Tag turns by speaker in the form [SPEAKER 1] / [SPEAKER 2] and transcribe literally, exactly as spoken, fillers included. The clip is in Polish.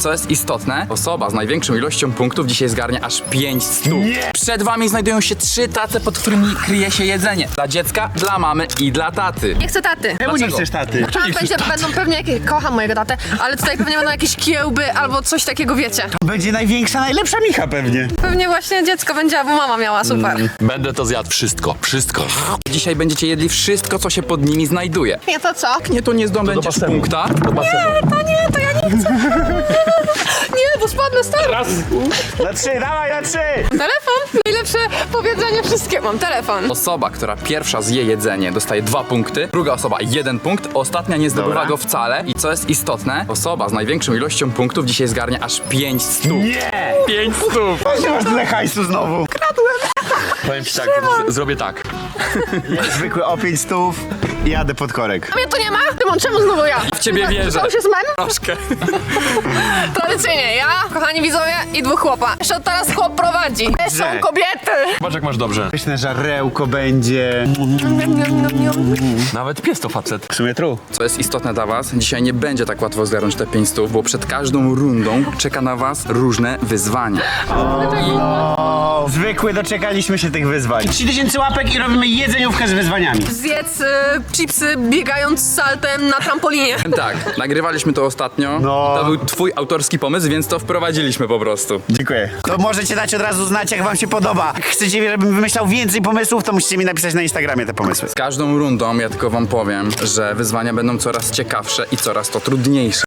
[SPEAKER 1] co jest istotne, osoba z największą ilością punktów dzisiaj zgarnia aż pięć stóp.
[SPEAKER 2] Nie.
[SPEAKER 1] Przed wami znajdują się trzy tace, pod którymi kryje się jedzenie. Dla dziecka, dla mamy i dla taty.
[SPEAKER 3] Nie chcę taty.
[SPEAKER 2] Czemu nie
[SPEAKER 1] Dlaczego?
[SPEAKER 2] chcesz taty?
[SPEAKER 3] Tam będzie, będą pewnie jakieś, kocham mojego tatę, ale tutaj pewnie będą jakieś kiełby albo coś takiego, wiecie.
[SPEAKER 2] Będzie największa, najlepsza Micha pewnie.
[SPEAKER 3] Pewnie właśnie dziecko będzie, albo mama miała, super.
[SPEAKER 4] Będę to zjadł wszystko, wszystko.
[SPEAKER 1] Dzisiaj będziecie jedli wszystko, co się pod nimi znajduje.
[SPEAKER 3] Nie, to co?
[SPEAKER 1] Nie, to nie zdobędziesz
[SPEAKER 4] basenu.
[SPEAKER 1] punkta.
[SPEAKER 4] Do basenu.
[SPEAKER 3] To nie, to ja nie chcę. Nie, bo spadnę stary.
[SPEAKER 4] Raz.
[SPEAKER 2] Na trzy, dawaj na trzy!
[SPEAKER 3] Telefon? Najlepsze powiedzenie wszystkiego. Mam telefon.
[SPEAKER 1] Osoba, która pierwsza zje jedzenie, dostaje dwa punkty, druga osoba jeden punkt, ostatnia nie zdobywa
[SPEAKER 2] Dobra.
[SPEAKER 1] go wcale. I co jest istotne, osoba z największą ilością punktów dzisiaj zgarnia aż pięć stóp.
[SPEAKER 2] Nie!
[SPEAKER 1] pięć stóp!
[SPEAKER 2] Gdzie masz tyle hajsu znowu?
[SPEAKER 4] Powiem ci tak, z- zrobię tak.
[SPEAKER 2] Zwykły o pięć stów i jadę pod korek.
[SPEAKER 3] A mnie tu nie ma? Tymon, czemu znowu ja?
[SPEAKER 1] W ciebie wierzę.
[SPEAKER 3] To już jest mem?
[SPEAKER 1] Troszkę.
[SPEAKER 3] Tradycyjnie ja, kochani widzowie, i dwóch chłopa. Jeszcze teraz chłop prowadzi. To są
[SPEAKER 2] Że.
[SPEAKER 3] kobiety.
[SPEAKER 4] Zobacz jak masz dobrze.
[SPEAKER 2] Pyszne żarełko będzie.
[SPEAKER 3] Niam, niam, niam, niam.
[SPEAKER 4] Nawet pies to facet.
[SPEAKER 2] W sumie tru.
[SPEAKER 1] Co jest istotne dla was, dzisiaj nie będzie tak łatwo zgarnąć te pięć stów, bo przed każdą rundą czeka na was różne wyzwania.
[SPEAKER 2] O, zwykły, doczekaliśmy się tych wyzwań. trzy tysiące łapek i robimy jedzeniówkę z wyzwaniami.
[SPEAKER 3] Zjedz y, chipsy biegając z saltem na trampolinie.
[SPEAKER 1] Tak, nagrywaliśmy to ostatnio.
[SPEAKER 2] No.
[SPEAKER 1] To był twój autorski pomysł, więc to wprowadziliśmy po prostu.
[SPEAKER 2] Dziękuję. To możecie dać od razu znać, jak wam się podoba. Jak chcecie, żebym wymyślał więcej pomysłów, to musicie mi napisać na Instagramie te pomysły.
[SPEAKER 1] Z każdą rundą ja tylko wam powiem, że wyzwania będą coraz ciekawsze i coraz to trudniejsze.